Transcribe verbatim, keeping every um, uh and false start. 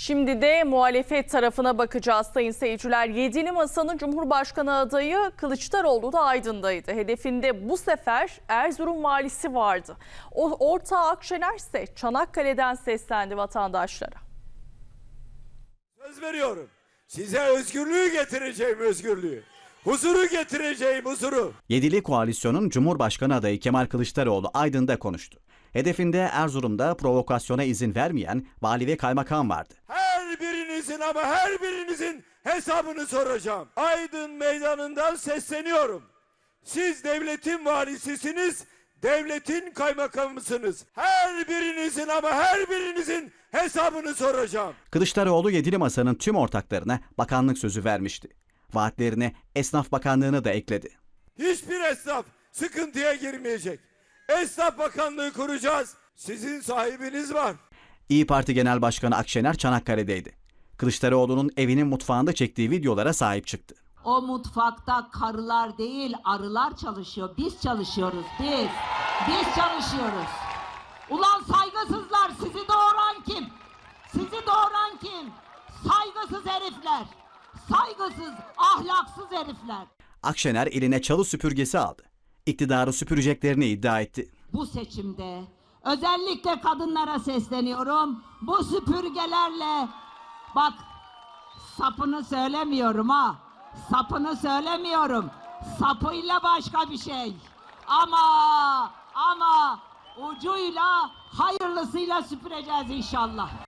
Şimdi de muhalefet tarafına bakacağız sayın seyirciler. Yedili Masa'nın Cumhurbaşkanı adayı Kılıçdaroğlu da Aydın'daydı. Hedefinde bu sefer Erzurum valisi vardı. O ortağı Akşener ise Çanakkale'den seslendi vatandaşlara. Söz veriyorum. Size özgürlüğü getireceğim, özgürlüğü. Huzuru getireceğim, huzuru. Yedili koalisyonun Cumhurbaşkanı adayı Kemal Kılıçdaroğlu Aydın'da konuştu. Hedefinde Erzurum'da provokasyona izin vermeyen vali ve kaymakam vardı. Her birinizin ama her birinizin hesabını soracağım. Aydın meydanından sesleniyorum. Siz devletin valisisiniz, devletin kaymakamısınız. Her birinizin ama her birinizin hesabını soracağım. Kılıçdaroğlu Yedili Masa'nın tüm ortaklarına bakanlık sözü vermişti. Vaatlerine Esnaf Bakanlığı'nı da ekledi. Hiçbir esnaf sıkıntıya girmeyecek. Esnaf Bakanlığı kuracağız. Sizin sahibiniz var. İyi Parti Genel Başkanı Akşener Çanakkale'deydi. Kılıçdaroğlu'nun evinin mutfağında çektiği videolara sahip çıktı. O mutfakta karılar değil arılar çalışıyor. Biz çalışıyoruz biz. Biz çalışıyoruz. Ulan saygısızlar, sizi doğuran kim? Sizi doğuran kim? Saygısız herifler. Saygısız, ahlaksız herifler. Akşener eline çalı süpürgesi aldı. İktidarı süpüreceklerini iddia etti. Bu seçimde özellikle kadınlara sesleniyorum. Bu süpürgelerle, bak sapını söylemiyorum ha. Sapını söylemiyorum. Sapıyla başka bir şey. Ama ama ucuyla hayırlısıyla süpüreceğiz inşallah.